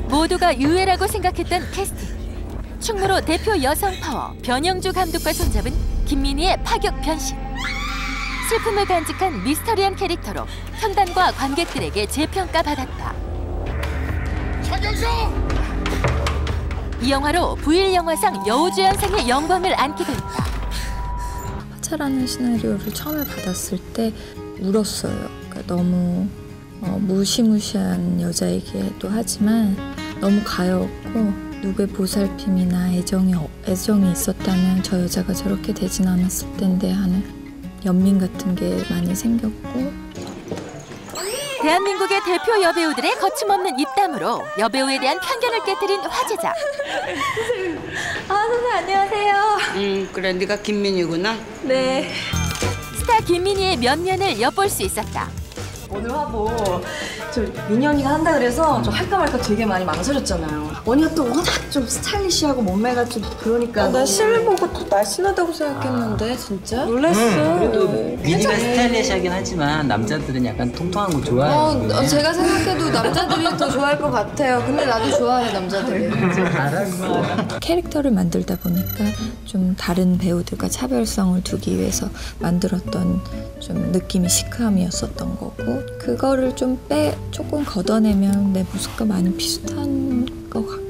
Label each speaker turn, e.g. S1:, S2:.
S1: 모두가 유해라고 생각했던 캐스팅. 충무로 대표 여성 파워 변영주 감독과 손잡은 김민희의 파격 변신. 슬픔을 간직한 미스터리한 캐릭터로 평단과 관객들에게 재평가 받았다. 이 영화로 부일 영화상 여우주연상의 영광을 안게 됐다.
S2: 화차라는 시나리오를 처음에 받았을 때 울었어요. 그러니까 너무 무시무시한 여자이기도 하지만 너무 가여웠고, 누구의 보살핌이나 애정이 있었다면 저 여자가 저렇게 되진 않았을 텐데 하는 연민 같은 게 많이 생겼고.
S1: 대한민국의 대표 여배우들의 거침없는 입담으로 여배우에 대한 편견을 깨뜨린 화제작.
S2: 선생님 안녕하세요.
S3: 그래, 네가 김민희구나.
S2: 네.
S1: 스타 김민희의 면면을 엿볼 수 있었다.
S4: 오늘 화보 저 민희 언니가 한다 그래서 저 할까 말까 되게 많이 망설였잖아요. 언니가 또 워낙 좀 스타일리시하고 몸매가 좀 그러니까.
S2: 나 실물 보고 또 날씬하다고 생각했는데 진짜 놀랐어.
S5: 그래도 민희가 스타일리시하긴 하지만 남자들은 약간 통통한 거 좋아해요.
S2: 제가 생각해도 남자들이 더 좋아할 것 같아요. 근데 나도 좋아해, 남자들이. 캐릭터를 만들다 보니까 좀 다른 배우들과 차별성을 두기 위해서 만들었던 좀 느낌이 시크함이었었던 거고, 그거를 조금 걷어내면 내 모습과 많이 비슷한 것 같고.